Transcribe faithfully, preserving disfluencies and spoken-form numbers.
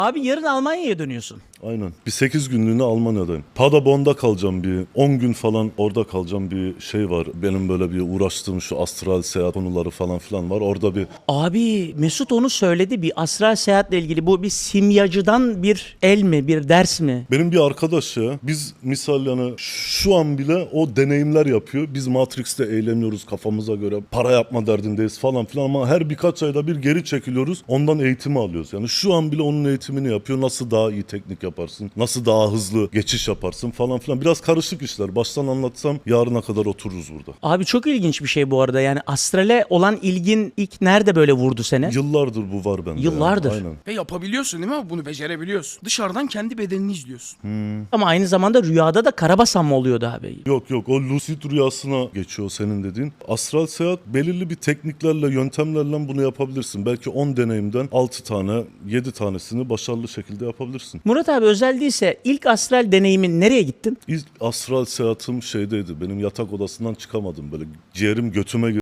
Abi yarın Almanya'ya dönüyorsun. Aynen. Bir sekiz günlüğüne Almanya'dayım. Paderborn'da kalacağım bir on gün falan orada kalacağım bir şey var. Benim böyle bir uğraştığım şu astral seyahat konuları falan filan var. Orada bir Abi Mesut onu söyledi, bir astral seyahatle ilgili. Bu bir simyacıdan bir el mi, bir ders mi? benim bir arkadaş ya. Biz misal yani şu an bile o deneyimler yapıyor. Biz Matrix'te eğleniyoruz kafamıza göre. Para yapma derdindeyiz falan filan ama her birkaç ayda bir geri çekiliyoruz. Ondan eğitimi alıyoruz. Yani şu an bile onun eğitimini yapıyor. Nasıl daha iyi teknik yaparsın? Nasıl daha hızlı geçiş yaparsın falan filan. Biraz karışık işler. Baştan anlatsam yarına kadar otururuz burada. Abi çok ilginç bir şey bu arada. Yani astrale olan ilgin ilk nerede böyle vurdu seni? Yıllardır bu var bende. Yıllardır. Yani. Aynen. Ve yapabiliyorsun değil mi? Bunu becerebiliyorsun. Dışarıdan kendi bedenini izliyorsun. Ama aynı zamanda rüyada da karabasan mı oluyordu abi? Yok yok o lucid rüyasına geçiyor senin dediğin. Astral seyahat belirli bir tekniklerle, yöntemlerle bunu yapabilirsin. Belki on deneyimden altı tane, yedi tanesini başarılı şekilde yapabilirsin. Murat abi özel değilse ilk astral deneyimin nereye gittin? İlk astral seyahatim şeydeydi. Benim yatak odasından çıkamadım böyle. Ciğerim götüme girdi.